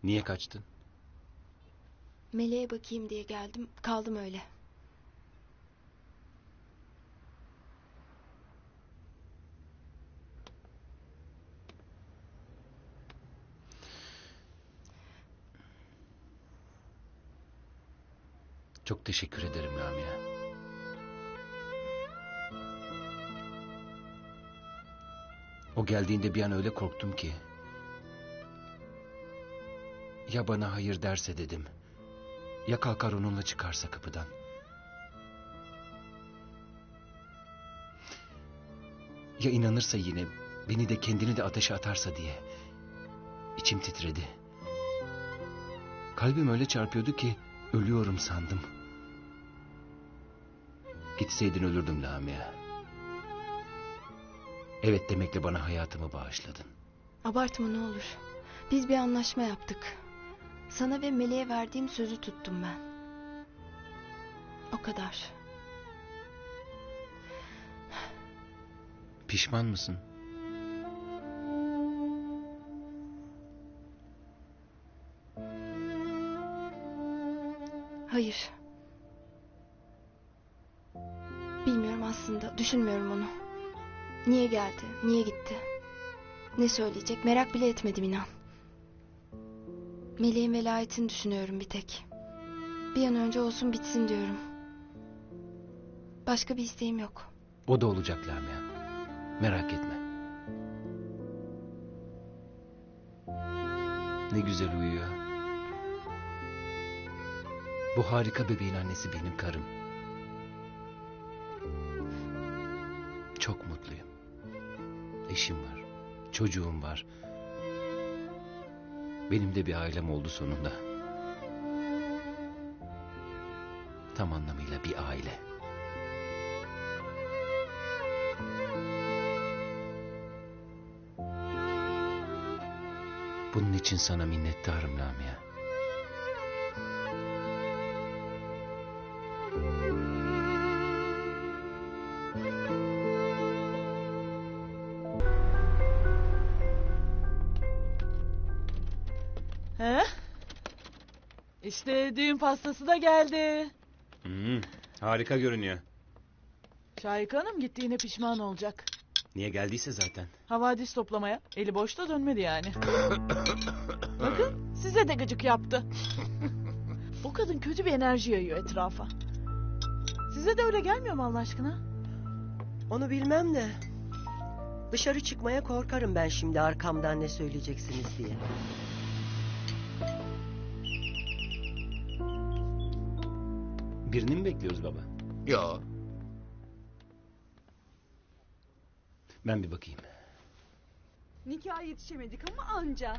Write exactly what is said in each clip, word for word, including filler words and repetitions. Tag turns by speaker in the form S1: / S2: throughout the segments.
S1: Niye kaçtın?
S2: Meleğe bakayım diye geldim. Kaldım öyle.
S1: Çok teşekkür ederim Lamia. O geldiğinde bir an öyle korktum ki. Ya bana hayır derse dedim. Ya kalkar onunla çıkarsa kapıdan. Ya inanırsa yine beni de kendini de ateşe atarsa diye. İçim titredi. Kalbim öyle çarpıyordu ki ölüyorum sandım. Gitseydin ölürdüm Lamia. Evet demekle bana hayatımı bağışladın.
S2: Abartma ne olur. Biz bir anlaşma yaptık. Sana ve Meleğe verdiğim sözü tuttum ben. O kadar.
S1: Pişman mısın?
S2: Hayır. Bilmiyorum aslında. Düşünmüyorum onu. Niye geldi? Niye gitti? Ne söyleyecek? Merak bile etmedim inan. Meleğin velayetini düşünüyorum bir tek. Bir an önce olsun bitsin diyorum. Başka bir isteğim yok.
S1: O da olacak Lamia. Merak etme. Ne güzel uyuyor. Bu harika bebeğin annesi benim karım. Çok mutluyum. Eşim var. Çocuğum var. Benim de bir ailem oldu sonunda. Tam anlamıyla bir aile. Bunun için sana minnettarım Lamia.
S3: He? İşte düğün pastası da geldi.
S1: Hmm, harika görünüyor.
S3: Şahika Hanım gittiğine pişman olacak.
S1: Niye geldiyse zaten.
S3: Havadis toplamaya. Eli boşta dönmedi yani. Bakın size de gıcık yaptı. O kadın kötü bir enerji yayıyor etrafa. Size de öyle gelmiyor mu Allah aşkına?
S4: Onu bilmem de. Dışarı çıkmaya korkarım ben şimdi arkamdan ne söyleyeceksiniz diye.
S1: Birini mi bekliyoruz baba?
S5: Yo.
S1: Ben bir bakayım.
S6: Nikaha yetişemedik ama anca.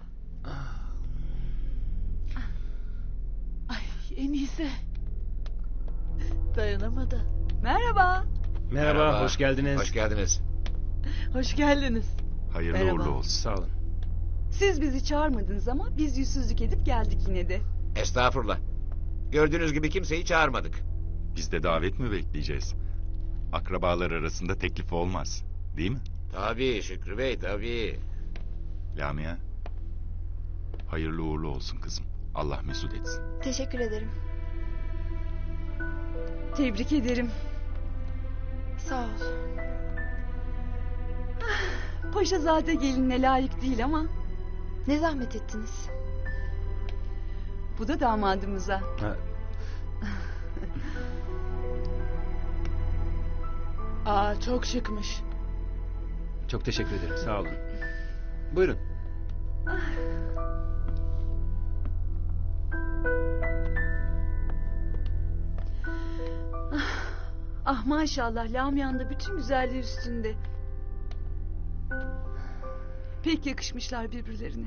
S3: Ay en iyisi. Dayanamadı.
S6: Merhaba.
S1: Merhaba,
S5: Merhaba.
S1: hoş geldiniz.
S5: Hoş geldiniz.
S3: Hoş geldiniz.
S7: Hayırlı
S6: Merhaba.
S7: uğurlu olsun.
S1: Sağ olun.
S6: Siz bizi çağırmadınız ama biz yüzsüzlük edip geldik yine de.
S5: Estağfurullah. Gördüğünüz gibi kimseyi çağırmadık.
S7: Biz de davet mi bekleyeceğiz? Akrabalar arasında teklif olmaz. Değil mi?
S5: Tabii Şükrü Bey, tabii.
S7: Lamia. Hayırlı uğurlu olsun kızım. Allah mesut etsin.
S2: Teşekkür ederim.
S6: Tebrik ederim.
S2: Sağ ol.
S6: Paşazade gelinine layık değil ama
S2: Ne zahmet ettiniz.
S6: bu da damadımıza.
S1: Ha,
S3: Aa çok şıkmış.
S1: çok teşekkür ederim, sağ olun. Buyurun.
S6: Ah maşallah Lamia'nın da bütün güzelliği üstünde. Pek yakışmışlar birbirlerine.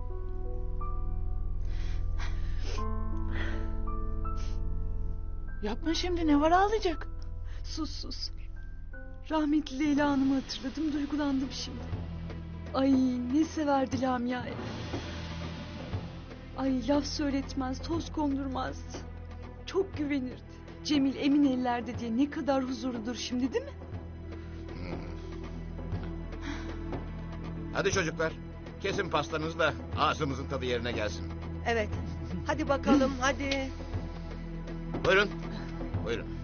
S3: Yapma şimdi ne var ağlayacak?
S6: Sus sus. Rahmetli Leyla Hanım'ı hatırladım, duygulandım şimdi. Ay ne severdi Lamia'yı. Ay laf söyletmez, toz kondurmazdı. Çok güvenirdi. Cemil emin ellerde diye ne kadar huzurludur şimdi değil mi?
S5: Hadi çocuklar, kesin pastanızı da ağzımızın tadı yerine gelsin.
S4: Evet. Hadi bakalım hadi.
S5: Buyurun. Buyurun.